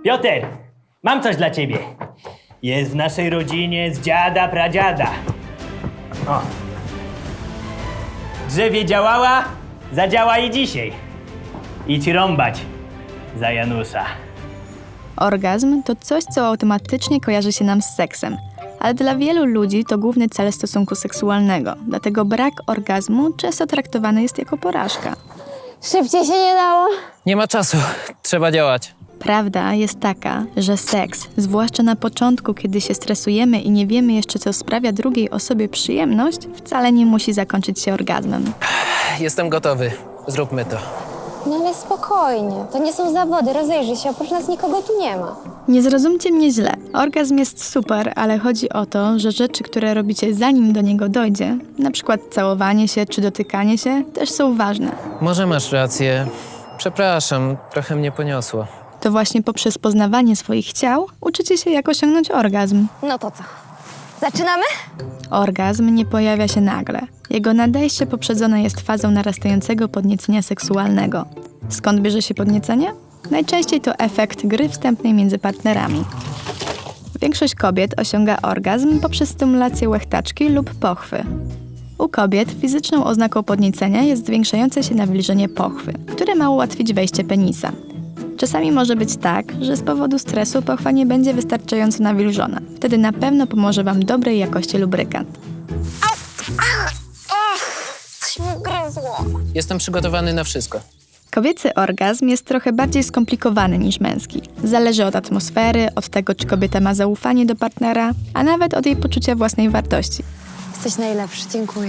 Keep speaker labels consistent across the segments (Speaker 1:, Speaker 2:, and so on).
Speaker 1: Piotr, mam coś dla ciebie. Jest w naszej rodzinie z dziada, pradziada. O. Drzewie działała, zadziała i dzisiaj. Idź rąbać za Janusza.
Speaker 2: Orgazm to coś, co automatycznie kojarzy się nam z seksem. Ale dla wielu ludzi to główny cel stosunku seksualnego. Dlatego brak orgazmu często traktowany jest jako porażka.
Speaker 3: Szybciej się nie dało.
Speaker 4: Nie ma czasu, trzeba działać.
Speaker 2: Prawda jest taka, że seks, zwłaszcza na początku, kiedy się stresujemy i nie wiemy jeszcze, co sprawia drugiej osobie przyjemność, wcale nie musi zakończyć się orgazmem.
Speaker 4: Jestem gotowy, zróbmy to.
Speaker 3: No ale spokojnie, to nie są zawody, rozejrzyj się, oprócz nas nikogo tu nie ma.
Speaker 2: Nie zrozumcie mnie źle. Orgazm jest super, ale chodzi o to, że rzeczy, które robicie zanim do niego dojdzie, na przykład całowanie się czy dotykanie się, też są ważne.
Speaker 4: Może masz rację. Przepraszam, trochę mnie poniosło.
Speaker 2: To właśnie poprzez poznawanie swoich ciał uczycie się, jak osiągnąć orgazm.
Speaker 3: No to co? Zaczynamy?
Speaker 2: Orgazm nie pojawia się nagle. Jego nadejście poprzedzone jest fazą narastającego podniecenia seksualnego. Skąd bierze się podniecenie? Najczęściej to efekt gry wstępnej między partnerami. Większość kobiet osiąga orgazm poprzez stymulację łechtaczki lub pochwy. U kobiet fizyczną oznaką podniecenia jest zwiększające się nawilżenie pochwy, które ma ułatwić wejście penisa. Czasami może być tak, że z powodu stresu pochwa nie będzie wystarczająco nawilżona. Wtedy na pewno pomoże Wam dobrej jakości lubrykant.
Speaker 3: Coś mi gryzło.
Speaker 4: Jestem przygotowany na wszystko.
Speaker 2: Kobiecy orgazm jest trochę bardziej skomplikowany niż męski. Zależy od atmosfery, od tego, czy kobieta ma zaufanie do partnera, a nawet od jej poczucia własnej wartości.
Speaker 3: Jesteś najlepszy, dziękuję.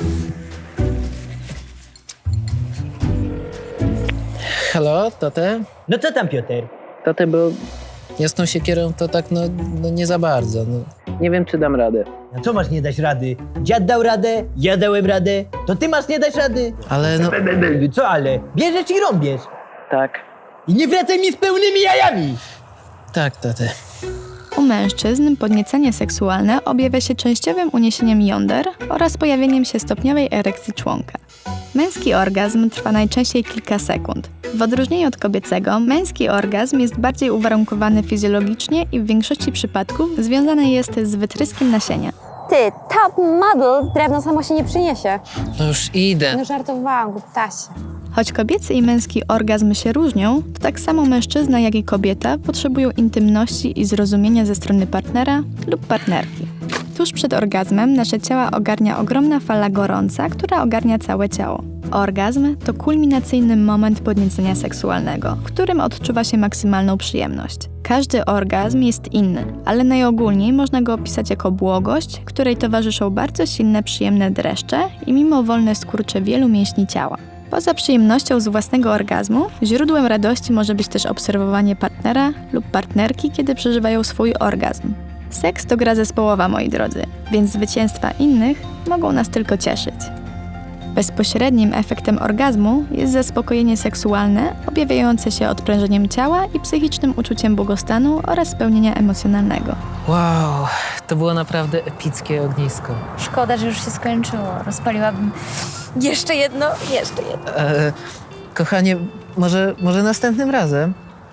Speaker 4: Halo, Tote?
Speaker 1: No co tam, Piotr?
Speaker 4: Tote, bo ja z tą siekierą to tak, no nie za bardzo. Nie wiem, czy dam radę.
Speaker 1: No co masz nie dać rady? Dziad dał radę, ja dałem radę, to ty masz nie dać rady?
Speaker 4: Ale no...
Speaker 1: Co ale? Bierzesz i rąbiesz.
Speaker 4: Tak.
Speaker 1: I nie wracaj mi z pełnymi jajami!
Speaker 4: Tak, Tote.
Speaker 2: U mężczyzn podniecenie seksualne objawia się częściowym uniesieniem jąder oraz pojawieniem się stopniowej erekcji członka. Męski orgazm trwa najczęściej kilka sekund. W odróżnieniu od kobiecego, męski orgazm jest bardziej uwarunkowany fizjologicznie i w większości przypadków związany jest z wytryskiem nasienia.
Speaker 3: Ty, top model, drewno samo się nie przyniesie.
Speaker 4: No już idę.
Speaker 3: No żartowałam, głuptasie.
Speaker 2: Choć kobiecy i męski orgazm się różnią, to tak samo mężczyzna, jak i kobieta potrzebują intymności i zrozumienia ze strony partnera lub partnerki. Tuż przed orgazmem nasze ciała ogarnia ogromna fala gorąca, która ogarnia całe ciało. Orgazm to kulminacyjny moment podniecenia seksualnego, w którym odczuwa się maksymalną przyjemność. Każdy orgazm jest inny, ale najogólniej można go opisać jako błogość, której towarzyszą bardzo silne, przyjemne dreszcze i mimowolne skurcze wielu mięśni ciała. Poza przyjemnością z własnego orgazmu, źródłem radości może być też obserwowanie partnera lub partnerki, kiedy przeżywają swój orgazm. Seks to gra zespołowa, moi drodzy, więc zwycięstwa innych mogą nas tylko cieszyć. Bezpośrednim efektem orgazmu jest zaspokojenie seksualne, objawiające się odprężeniem ciała i psychicznym uczuciem błogostanu oraz spełnienia emocjonalnego.
Speaker 4: Wow, to było naprawdę epickie ognisko.
Speaker 5: Szkoda, że już się skończyło. Rozpaliłabym jeszcze jedno.
Speaker 4: Kochanie, może następnym razem?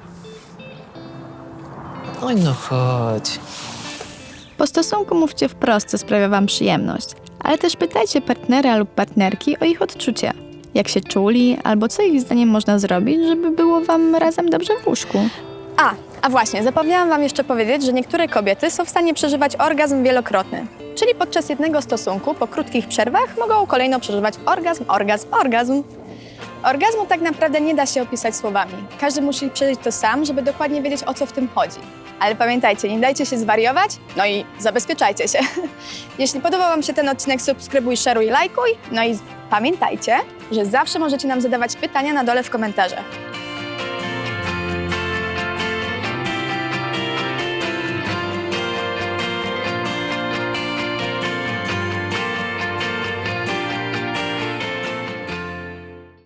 Speaker 4: Oj, no chodź.
Speaker 2: Po stosunku mówcie wprost, co sprawia Wam przyjemność, ale też pytajcie partnera lub partnerki o ich odczucia. Jak się czuli, albo co ich zdaniem można zrobić, żeby było Wam razem dobrze w łóżku.
Speaker 6: A właśnie, zapomniałam Wam jeszcze powiedzieć, że niektóre kobiety są w stanie przeżywać orgazm wielokrotny. Czyli podczas jednego stosunku, po krótkich przerwach, mogą kolejno przeżywać orgazm. Orgazmu tak naprawdę nie da się opisać słowami. Każdy musi przeżyć to sam, żeby dokładnie wiedzieć, o co w tym chodzi. Ale pamiętajcie, nie dajcie się zwariować, no i zabezpieczajcie się. Jeśli podobał Wam się ten odcinek, subskrybuj, szeruj, lajkuj. No i pamiętajcie, że zawsze możecie nam zadawać pytania na dole w komentarzach.